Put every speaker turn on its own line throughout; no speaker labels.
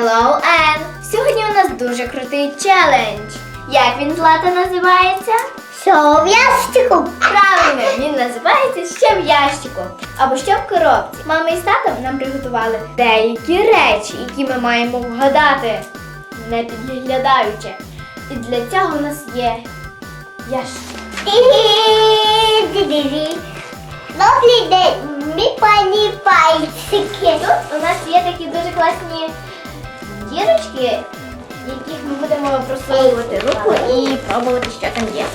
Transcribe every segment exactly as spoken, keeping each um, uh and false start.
Hello, Ann! Сьогодні у нас дуже крутий челендж. Як він, Злата, називається?
Що в ящику?
Правильно, він називається «Ще в ящику» або «Ще в коробці». Мама із татом нам приготували деякі речі, які ми маємо вгадати, не підглядаючи. І для цього у нас є ящик.
Добрий день, мій пані пальчики.
Тут у нас є такі дуже класні дірочки, яких ми будемо просовувати руку і пробувати, що там є.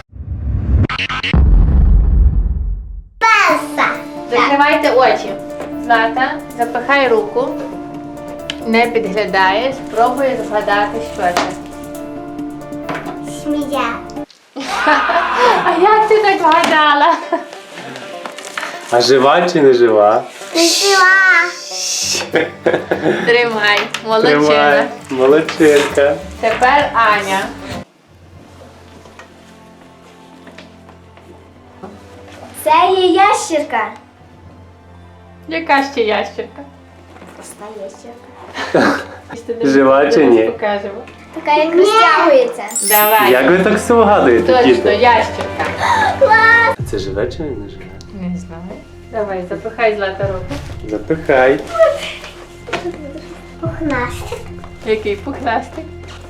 Паса.
Закривайте очі. Злата, запихай руку, не підглядай, спробуй згадати, що це.
Смія.
А як ти так вгадала?
А жива чи не жива?
Жива.
Тримай, молодчина.
Тримай. Молодчинка.
Тепер Аня.
Це є ящірка.
Яка ще ящерка?
Проста ящірка.
Жива чи ні?
Покажемо.
Така, як розтягується.
Давай.
Як ви так все вгадуєте,
Точно,
діти?
ящерка.
А це живе чи не живе?
Не знаю. Давай, запихай Злата руку.
Запихай.
Пухнастик.
Який пухнастик.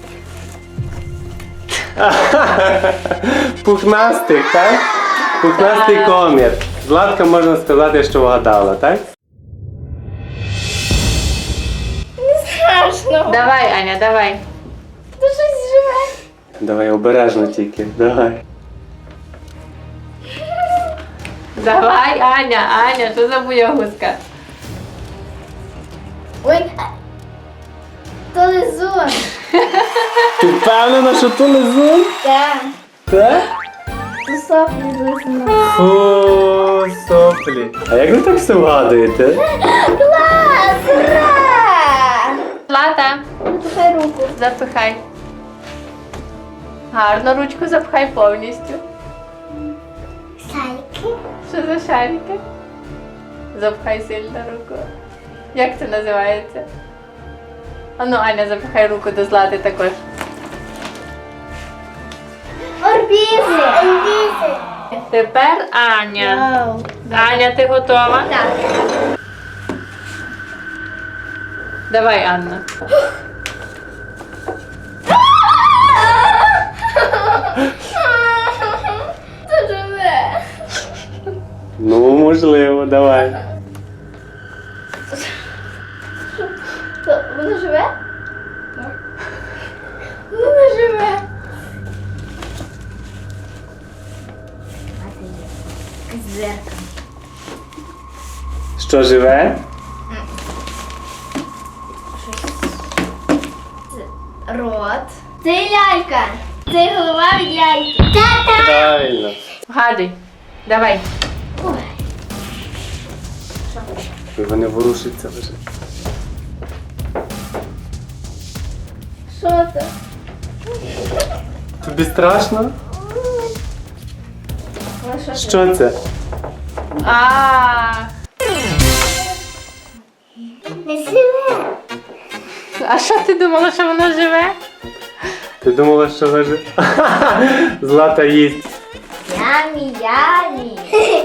Пухнастик, так? Пухнастий
Так.
комір. Златка, можна сказати, що вгадала, так?
Страшно.
Давай, Аня, давай.
Це щось живе.
Давай обережно тільки. Давай.
Давай, Аня, Аня, що за боягузка?
Ой, а- то лизун.
Ти впевнена, що то лизун?
Так.
Так?
То соплі з лизуном.
Фу, соплі. А як ви так все вгадуєте?
Клас! Ура!
Злата,
Запихай руку.
запихай. Гарно ручку запхай повністю.
Шайки.
Що за шарики? Запхай сильно руку. Як це називається? Ану, Аня, запихай руку до Злати також.
Орбізи.
Лізи.
Тепер Аня.
Вау.
Аня, ти готова?
Так.
Давай, Анна.
Це живе.
Ну, можливо, давай.
То воно живе? Воно живе. Зеркало.
Що живе?
Рот. Це лялька. Це голова від ляльки.
Тата.
Правильно.
Вгадуй. Давай.
Ой.
Ой, вони ворушаться вже.
Що це?
Тобі страшно?
Ну, що це?
Що це?
А,
Не живе.
а що ти думала, що воно живе?
Ти думала, що ви ж... Злата їсть.
Ямі, ямі.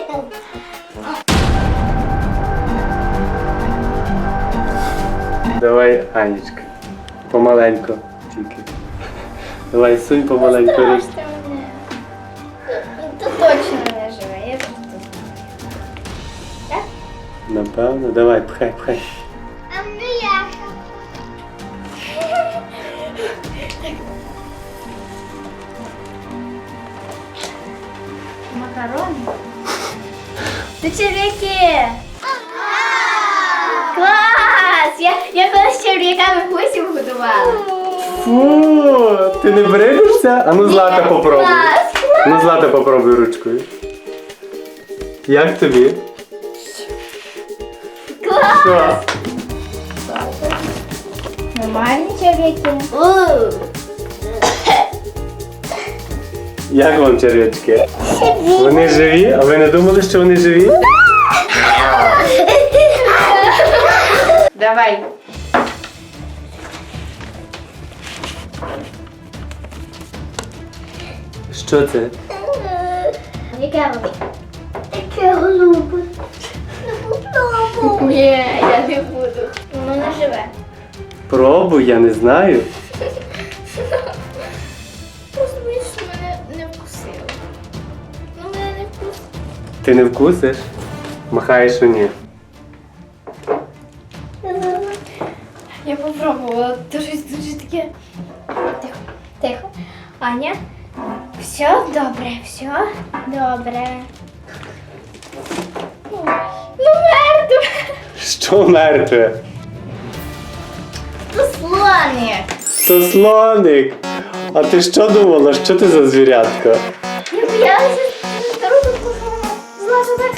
Давай, Анічка. Помаленько тільки. Давай, сунь помаленько ручку.
Страшно мене. Тут точно не живе. Я тут знаю. Так?
Напевно. Давай, пхай, пхай.
А ну я.
Макарони. Це черв'яки. Клас! Я, я колись з черв'яками гусів годувала.
Фу, ти не брешешся? А ну Злата попробуй.
Клас!
Ну Злата попробуй ручкою. Як тобі?
Клас!
Що?
Нормальні черв'яки. У.
Як вам черв'ячки? Вони живі? А ви не думали, що вони живі?
Давай.
Що це?
Яке воно?
Таке голубе. Не попробуй.
Ні, я не буду. Воно не живе.
Пробуй, я не знаю.
Просто боюсь, що мене не вкусило. Ну, мене не вкусило.
Ти не вкусиш? Махаєш, що ні.
Я попробувала, то щось дуже таке. Тихо, тихо. Аня, все добре, все добре. Ну, мертве.
Що мертве?
Ну, слоник.
То слоник. А ти що думала? Що ти за звірятка?
Я боялася старого кожного злазити.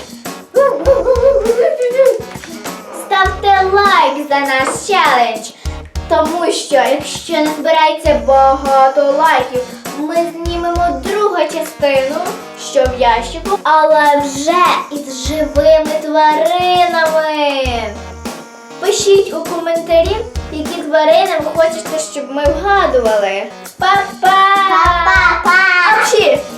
Ставте лайк за наш челендж, тому що якщо не збирається багато лайків, ми знімемо другу частину, що в ящику, але вже із живими тваринами. Пишіть у коментарі, які тварини ви хочете, щоб ми вгадували. Па-па!
Па-па-па!
А взагалі,